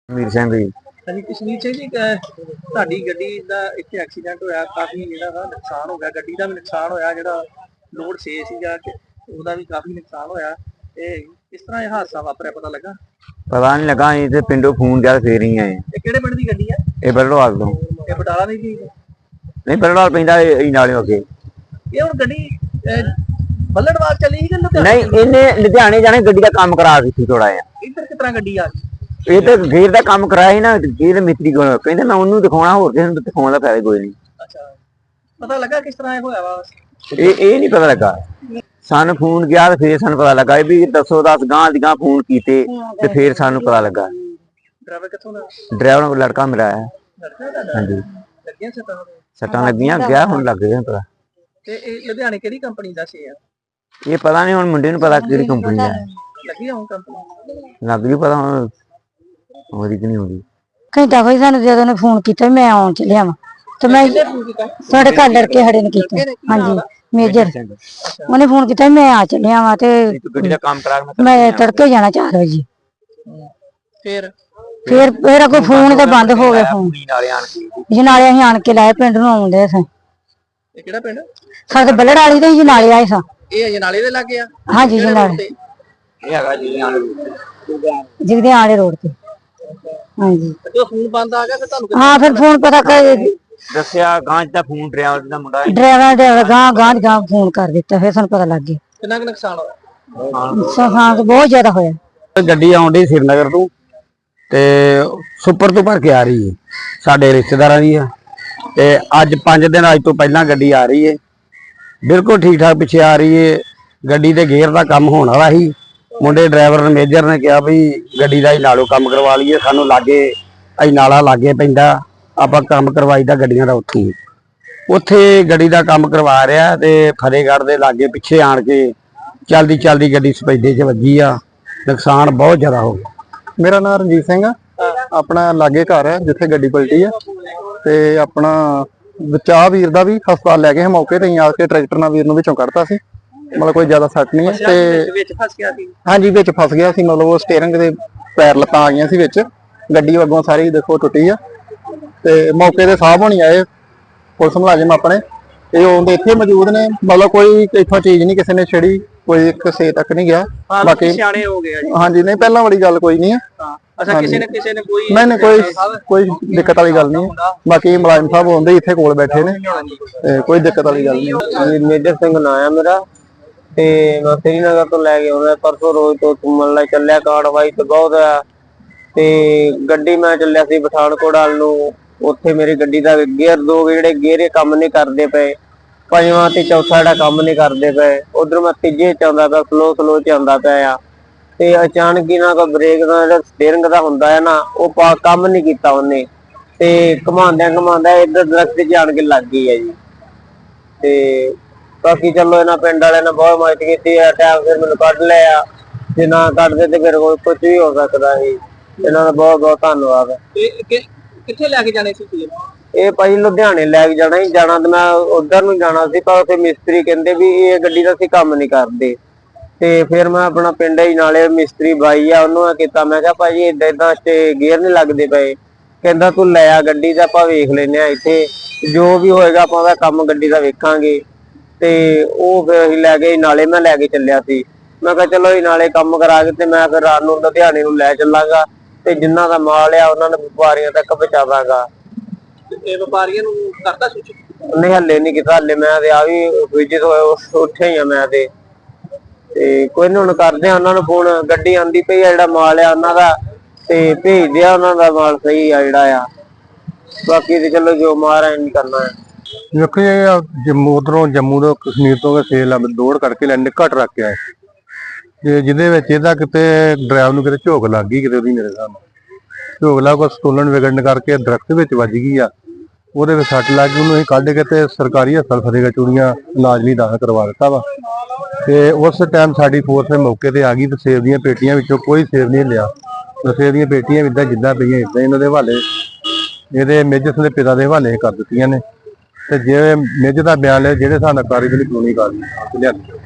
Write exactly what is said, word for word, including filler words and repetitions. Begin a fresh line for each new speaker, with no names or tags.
मीर सिंह जी।
ਹਾਂਜੀ ਕਸ਼ਮੀਰ ਸਿੰਘ ਜੀ ਅਹ ਤੁਹਾਡੀ ਗੱਡੀ ਦਾ ਇੱਥੇ ਐਕਸੀਡੈਂਟ ਹੋਇਆ, ਕਾਫੀ ਜਿਹੜਾ ਵਾ ਨੁਕਸਾਨ ਹੋ ਗਿਆ, ਗੱਡੀ ਦਾ ਵੀ ਨੁਕਸਾਨ ਹੋਇਆ, ਜਿਹੜਾ ਲੋਡ ਛੇ ਸੀਗਾ ਤੇ ਉਹਦਾ ਵੀ ਕਾਫੀ ਨੁਕਸਾਨ ਹੋਇਆ। ਇਹ ਕਿਸ ਤਰ੍ਹਾਂ ਇਹ ਹਾਦਸਾ ਵਾਪਰਿਆ ਪਤਾ ਲੱਗਾ?
पता नहीं लगा अं तो पिंडों फोन गया फिर ही आए।
ਇਹ ਕਿਹੜੇ ਪਿੰਡ ਦੀ ਗੱਡੀ ਆ?
ये बरड़वाल तो
ਇਹ ਬਟਾਲਾ ਦੀ ਸੀ?
नहीं बरड़वाल पैंदा नाले अगे।
ਇਹ ਹੁਣ ਗੱਡੀ ਅਹ, ਬੱਲੜਵਾਲ ਚੱਲੀ ਸੀ ਕਿ ਲੁਧਿਆਣੇ
नहीं
ਚੱਲੀ?
इन्हें लुधियाने जाने गड्डी का काम करा दी थोड़ा जिहा।
ਇੱਧਰ ਕਿਸ ਤਰ੍ਹਾਂ ਗੱਡੀ ਆ ਗਈ?
ये तो घेर का काम कराया ही ना, घेर मिस्त्री को कहते मैं उन्होंने दिखाना, होर किसी नूं दिखाउण दा फायदा कोई नहीं।
ਅੱਛਾ, ਪਤਾ ਲੱਗਾ ਕਿਸ ਤਰ੍ਹਾਂ ਇਹ ਹੋਇਆ ਵਾ?
ये ये नहीं पता लगा। सानू फोन गया तो फिर सानू पता लगा भी दसो दस गांह दी गांह फोन कीते ते फिर सानू पता लगा।
ਡਰਾਈਵਰ ਕਿੱਥੋਂ ਦਾ?
ड्राइवर को लड़का मिला है।
ਲੜਕਾ ਦਾ?
हाँ जी
ਲੱਗੀਆਂ ਸੱਟਾਂ ਉਹਦੇ?
सट्टां लगियां गया हुण लग गया पता।
ਤੇ ਇਹ ਲੁਧਿਆਣੇ ਕਿਹੜੀ ਕੰਪਨੀ ਦਾ ਸੀ?
ये पता नहीं हुण मुंडे नूं पता किहड़ी कंपनी दा है।
ਲੱਗੀ ਹੁਣ ਕੰਪਨੀ?
लग गई पता हुण होरी कि नहीं होरी।
ਘੰਟਾ ਕੋਈ ਸਾਨੂੰ ਜਦੋਂ ਨੇ ਫੋਨ ਕੀਤਾ ਮੈਂ ਆਉਣ ਚੱਲਿਆ ਵਾਂ ਤੇ ਮੈਂ ਸਾਡੇ ਘਰ ਲੜਕੇ ਖੜੇ ਨੇ ਕੀਤਾ। ਹਾਂਜੀ ਮੇਜਰ ਉਹਨੇ ਫੋਨ ਕੀਤਾ ਮੈਂ ਆ ਚੱਲਿਆ ਵਾਂ ਤੇ
ਗੱਡੀ ਦਾ ਕੰਮ ਕਰਾ ਕੇ
ਮੈਂ ਤੜਕੇ ਜਾਣਾ ਚਾਰ ਵਜੇ।
ਫਿਰ
ਫਿਰ ਫਿਰ ਅੱਗੋਂ ਫੋਨ ਤਾਂ ਬੰਦ ਹੋ ਗਿਆ ਫੋਨ।
ਨਾਲੇ ਆਣ ਕੇ
ਜਨਾਲੇ ਅਸੀਂ ਆਣ ਕੇ ਲਾਏ ਪਿੰਡ ਨੂੰ ਆਉਂਦੇ ਸਾਂ।
ਇਹ ਕਿਹੜਾ ਪਿੰਡ?
ਸਾਡੇ ਬੱਲੜ ਵਾਲੀ ਤੇ ਜਨਾਲੇ ਆਏ ਸਾਂ।
ਇਹ ਅਜਨਾਲੇ ਦੇ ਲਾਗੇ ਆ?
ਹਾਂਜੀ ਜਨਾਲੇ
ਇਹ ਹੈਗਾ ਜੀ ਆਣ
ਜਿਗਦੇ ਆਲੇ ਰੋਡ ਤੇ। ਹਾਂਜੀ
ਤੇ ਫੋਨ ਬੰਦ ਆ ਗਿਆ ਫਿਰ ਤੁਹਾਨੂੰ?
ਹਾਂ ਫਿਰ ਫੋਨ ਪਤਾ ਕਰ
ਦੱਸਿਆ ਗਾਂਜ ਦਾ ਫੋਨ ਡਰਾਈਵਰ ਦਾ ਮੁੰਡਾ
ਡਰਾਈਵਰ ਡਰਾਈਵਰ ਗਾਂ ਗਾਂ ਗਾਂ ਫੋਨ ਕਰ ਦਿੱਤਾ, ਫਿਰ ਸਾਨੂੰ ਪਤਾ ਲੱਗ ਗਿਆ।
ਕਿੰਨਾ ਕੁ ਨੁਕਸਾਨ ਹੋਇਆ?
ਨੁਕਸਾਨ ਬਹੁਤ ਜ਼ਿਆਦਾ ਹੋਇਆ।
ਗੱਡੀ ਆਉਂਦੀ ਸ਼੍ਰੀਨਗਰ ਤੋਂ ਤੇ ਸੁਪਰ ਤੋਂ ਭਰ ਕੇ ਆ ਰਹੀ ਹੈ, ਸਾਡੇ ਰਿਸ਼ਤੇਦਾਰਾਂ ਦੀ ਆ। ਤੇ ਅੱਜ ਪੰਜ ਦਿਨ ਅੱਜ ਤੋਂ ਪਹਿਲਾਂ ਗੱਡੀ ਆ ਰਹੀ ਹੈ, ਬਿਲਕੁਲ ਠੀਕ ਠਾਕ ਪਿੱਛੇ ਆ ਰਹੀ ਹੈ। ਗੱਡੀ ਦੇ ਗੇਅਰ ਦਾ ਕੰਮ ਹੋਣ ਵਾਲਾ ਸੀ। ਮੁੰਡੇ ਡਰਾਈਵਰ ਨੇ ਮੇਜਰ ਨੇ ਕਿਹਾ ਵੀ ਗੱਡੀ ਦਾ ਹੀ ਨਾਲੋਂ ਕੰਮ ਕਰਵਾ ਲਈਏ, ਸਾਨੂੰ ਲਾਗੇ ਅਸੀਂ ਨਾਲਾ ਲਾਗੇ ਪੈਂਦਾ, ਆਪਾਂ ਕੰਮ ਕਰਵਾਈਦਾ ਗੱਡੀਆਂ ਦਾ ਉੱਥੋਂ। ਉੱਥੇ ਗੱਡੀ ਦਾ ਕੰਮ ਕਰਵਾ ਰਿਹਾ ਤੇ ਫਤਿਹਗੜ੍ਹ ਦੇ ਲਾਗੇ ਪਿੱਛੇ ਆਣ ਕੇ ਚਲਦੀ ਚਲਦੀ ਗੱਡੀ ਸਪੈਡੇ 'ਚ ਵੱਜੀ ਆ। ਨੁਕਸਾਨ ਬਹੁਤ ਜ਼ਿਆਦਾ ਹੋ ਗਿਆ।
ਮੇਰਾ ਨਾਮ ਰਣਜੀਤ ਸਿੰਘ ਆ, ਆਪਣਾ ਲਾਗੇ ਘਰ ਹੈ ਜਿੱਥੇ ਗੱਡੀ ਪਲਟੀ ਆ। ਤੇ ਆਪਣਾ ਬਚਾਅ ਵੀਰ ਦਾ ਵੀ ਹਸਪਤਾਲ ਲੈ ਗਏ ਮੌਕੇ ਤੇ ਹੀ ਆ ਕੇ, ਟਰੈਕਟਰ ਨਾਲ ਵੀਰ ਨੂੰ ਵਿੱਚੋਂ ਕੱਢਤਾ ਸੀ, ਮਤਲਬ ਕੋਈ ਜ਼ਿਆਦਾ ਸੱਟ ਨਹੀਂ ਹੈ। ਤੇ
ਵਿੱਚ ਫਸ ਗਿਆ ਸੀ?
ਹਾਂਜੀ ਵਿੱਚ ਫਸ ਗਿਆ ਸੀ, ਮਤਲਬ ਉਹ ਸਟੀਅਰਿੰਗ ਦੇ ਪੈਰ ਲੱਤਾਂ ਆ ਗਈਆਂ ਸੀ ਵਿੱਚ, ਗੱਡੀ ਅੱਗੋਂ ਸਾਰੀ ਦੇਖੋ ਟੁੱਟੀ ਆ। ਤੇ ਮੌਕੇ ਤੇ ਸਾਹਬ ਹੋਣੀ ਆਏ ਪੁਲਿਸ ਮੁਲਾਜ਼ਮ ਆਪਣੇ, ਇਹ ਉਹਦੇ ਇੱਥੇ ਮੌਜੂਦ ਨੇ, ਮਤਲਬ ਕੋਈ ਇੱਥੋਂ ਚੀਜ਼ ਨਹੀਂ ਕਿਸੇ ਨੇ ਛੇੜੀ, ਕੋਈ ਕਿਸੇ ਤੱਕ ਨਹੀਂ ਗਿਆ।
ਬਾਕੀ ਸਿਆਣੇ ਹੋ ਗਏ ਆ ਜੀ।
ਹਾਂਜੀ ਨਹੀਂ ਪਹਿਲਾਂ ਵਾਲੀ ਗੱਲ ਕੋਈ ਨਹੀਂ ਹੈ।
ਅੱਛਾ, ਕਿਸੇ ਨੇ ਕਿਸੇ ਨੇ ਕੋਈ
ਨਹੀਂ ਨਹੀਂ ਕੋਈ ਕੋਈ ਦਿੱਕਤ ਵਾਲੀ ਗੱਲ ਨਹੀਂ ਹੈ। ਬਾਕੀ ਮੁਲਾਜ਼ਮ ਸਾਹਿਬ ਹੁੰਦੇ ਇੱਥੇ ਕੋਲ ਬੈਠੇ ਨੇ, ਤੇ ਕੋਈ ਦਿੱਕਤ ਵਾਲੀ ਗੱਲ ਨਹੀਂ।
ਮੇਜਰ ਸਿੰਘ ਨਾਂ ਆ ਮੇਰਾ ਤੇ ਮੈਂ ਸ਼੍ਰੀਨਗਰ ਤੋਂ ਲੈ ਕੇ ਆਉਂਦਾ ਪਰਸੋਂ ਰੋਜ਼ ਤੋਂ ਘੁੰਮਣ ਲਈ ਚੱਲਿਆ। ਕਾਰਵਾਈ ਤੇ ਬਹੁਤ ਆ ਤੇ ਗੱਡੀ ਮੈਂ ਚੱਲਿਆ ਸੀ ਪਠਾਨਕੋਟ ਵੱਲ ਨੂੰ। ਉੱਥੇ ਮੇਰੀ ਗੱਡੀ ਦਾ ਗੇਅਰ ਦੋ ਜਿਹੜੇ ਗੇਅਰੇ ਕੰਮ ਨਹੀਂ ਕਰਦੇ ਪਏ, ਪੰਜਵਾਂ ਤੇ ਚੌਥਾ ਜਿਹੜਾ ਕੰਮ ਨਹੀਂ ਕਰਦੇ ਪਏ। ਉਧਰ ਮੈਂ ਤੀਜੇ ਚ ਆਉਂਦਾ ਪਿਆ, ਸਲੋ ਸਲੋ ਚ ਆਉਂਦਾ ਪਿਆ ਆ। ਤੇ ਅਚਾਨਕ ਹੀ ਨਾ ਕੋਈ ਬ੍ਰੇਕ ਦਾ ਜਿਹੜਾ ਸਟੀਅਰਿੰਗ ਦਾ ਹੁੰਦਾ ਹੈ ਨਾ, ਉਹ ਕੰਮ ਨਹੀਂ ਕੀਤਾ ਉਹਨੇ, ਤੇ ਘੁਮਾਉਂਦਿਆਂ ਘੁਮਾਉਂਦਿਆਂ ਇੱਧਰ ਦਰਖਤ 'ਚ ਆਣ ਕੇ ਲੱਗ ਗਈ ਹੈ ਜੀ। ਤੇ ਬਾਕੀ ਚਲੋ ਇਹਨਾਂ ਪਿੰਡ ਵਾਲਿਆਂ ਨੇ ਬਹੁਤ ਮਦਦ ਕੀਤੀ ਹੈ, ਟਾਈਮ ਫਿਰ ਮੈਨੂੰ ਕੱਢ ਲਿਆ। ਜੇ ਨਾ ਕੱਢਦੇ ਤੇ ਫਿਰ ਕੋਈ ਕੁਝ ਵੀ ਹੋ ਸਕਦਾ ਸੀ। ਇਹਨਾਂ ਦਾ ਬਹੁਤ ਬਹੁਤ ਧੰਨਵਾਦ।
ਕਿੱਥੇ ਲੈ ਕੇ ਜਾਣੇ ਸੀ ਤੁਸੀਂ?
ਇਹ ਭਾਈ ਲੁਧਿਆਣੇ ਲੈ ਕੇ ਜਾਣਾ ਹੀ ਜਾਣਾ, ਤੇ ਮੈਂ ਉਧਰ ਨੂੰ ਜਾਣਾ ਸੀ, ਪਰ ਉੱਥੇ ਮਿਸਤਰੀ ਕਹਿੰਦੇ ਵੀ ਇਹ ਗੱਡੀ ਦਾ ਅਸੀਂ ਕੰਮ ਨਹੀਂ ਕਰਦੇ। ਤੇ ਫਿਰ ਮੈਂ ਆਪਣਾ ਪਿੰਡ ਹੀ ਨਾਲੇ ਮਿਸਤਰੀ ਬਾਈ ਆ, ਉਹਨੂੰ ਕੀਤਾ, ਮੈਂ ਕਿਹਾ ਭਾਜੀ ਏਦਾਂ ਏਦਾਂ ਤੇ ਗੇਅਰ ਨਹੀਂ ਲੱਗਦੇ ਪਏ। ਕਹਿੰਦਾ ਤੂੰ ਲੈ ਆ ਗੱਡੀ ਦਾ, ਆਪਾਂ ਵੇਖ ਲੈਨੇ ਆ ਇੱਥੇ, ਜੋ ਵੀ ਹੋਏਗਾ ਆਪਾਂ ਉਹਦਾ ਕੰਮ ਗੱਡੀ ਦਾ ਵੇਖਾਂਗੇ। ਤੇ ਉਹ ਫਿਰ ਅਸੀਂ ਲੈ ਗਏ ਨਾਲੇ, ਮੈਂ ਲੈ ਕੇ ਚੱਲਿਆ ਸੀ। ਮੈਂ ਕਿਹਾ ਚਲੋ ਇਹ ਨਾਲੇ ਕੰਮ ਕਰਾ ਕੇ ਤੇ ਮੈਂ ਫਿਰ ਰਾਤ ਨੂੰ ਲੁਧਿਆਣੇ ਨੂੰ ਲੈ ਚੱਲਾਂਗਾ, ਤੇ ਜਿੰਨਾ ਦਾ ਮਾਲ ਆ ਉਹਨਾਂ ਨੇ ਵਪਾਰੀਆਂ ਤੱਕ ਪਹੁੰਚਾਵਾਂਗਾ।
ਇਹ ਵਪਾਰੀਆਂ ਨੂੰ ਕਰਦਾ ਸੂਚਿਤ?
ਨਹੀਂ ਹੱਲੇ ਨਹੀਂ ਕੀਤਾ, ਹੱਲੇ ਮੈਂ ਤੇ ਆ ਵੀ ਵਿਜਿਟ ਹੋਇਆ ਉੱਥੇ ਹੀ ਆ ਮੈਂ ਤੇ। ਤੇ ਕੋਈ ਨੀ ਹੁਣ ਕਰਦੇ ਆ ਉਹਨਾਂ ਨੂੰ ਫੋਨ, ਗੱਡੀ ਆਂਦੀ ਪਈ ਆ, ਜਿਹੜਾ ਮਾਲ ਆ ਉਹਨਾਂ ਦਾ ਤੇ ਭੇਜਦੇ ਆ, ਉਹਨਾਂ ਦਾ ਮਾਲ ਸਹੀ ਆ ਜਿਹੜਾ ਆ। ਬਾਕੀ ਤੇ ਚਲੋ ਜੋ ਮਹਾਰਾਜ ਨੇ ਕਰਨਾ ਹੈ।
ਵੇਖੋ ਜੀ ਜੰਮੂ ਉਧਰੋਂ ਜੰਮੂ ਤੋਂ ਕਸ਼ਮੀਰ ਤੋਂ ਸੇਲ ਦੌੜ ਕਰਕੇ ਲੈ ਨਿੱਕਾ ਟਰੱਕ ਆਇਆ ਤੇ ਜਿਹਦੇ ਵਿੱਚ ਇਹਦਾ ਕਿਤੇ ਡਰਾਈਵਰ ਨੂੰ ਕਿਤੇ ਝੋਕ ਲੱਗ ਗਈ ਕਿਤੇ ਉਹਦੀ, ਮੇਰੇ ਹਿਸਾਬ ਨਾਲ ਝੋਕ ਲੱਗ ਕੋ ਸਟੋਲਨ ਵਿਗੜਨ ਕਰਕੇ ਦਰਖਤ ਵਿੱਚ ਵੱਜ ਗਈ ਆ। ਉਹਦੇ ਵਿੱਚ ਸੱਟ ਲੱਗ ਗਈ, ਉਹਨੂੰ ਅਸੀਂ ਕੱਢ ਕੇ ਤੇ ਸਰਕਾਰੀ ਹਸਪਤਾਲ ਫਤਿਹਗੜ੍ਹ ਚੂੜੀਆਂ ਇਲਾਜ ਲਈ ਦਾਖਲ ਕਰਵਾ ਦਿੱਤਾ ਵਾ। ਤੇ ਉਸ ਟਾਈਮ ਸਾਡੀ ਫੋਰਸ ਮੌਕੇ ਤੇ ਆ ਗਈ ਤੇ ਸੇਬ ਦੀਆਂ ਪੇਟੀਆਂ ਵਿੱਚੋਂ ਕੋਈ ਸੇਬ ਨਹੀਂ ਲਿਆ। ਸੇਬ ਦੀਆਂ ਪੇਟੀਆਂ ਵੀ ਇਦਾਂ ਜਿੱਦਾਂ ਪਈਆਂ ਇਦਾਂ ਇਹਨਾਂ ਦੇ ਹਵਾਲੇ, ਇਹਦੇ ਮੇਜਰ ਦੇ ਪਿਤਾ ਦੇ ਹਵਾਲੇ ਕਰ ਦਿੱਤੀਆਂ ਨੇ। ਤੇ ਜੇ ਮੇਜਰ ਦਾ ਬਿਆਨ ਲਿਆ ਜਿਹੜੇ ਹਿਸਾਬ ਨਾਲ ਕਾਰਵਾਈ ਕਾਨੂੰਨੀ ਕਾਰਵਾਈ ਲਿਆਂਦੀ।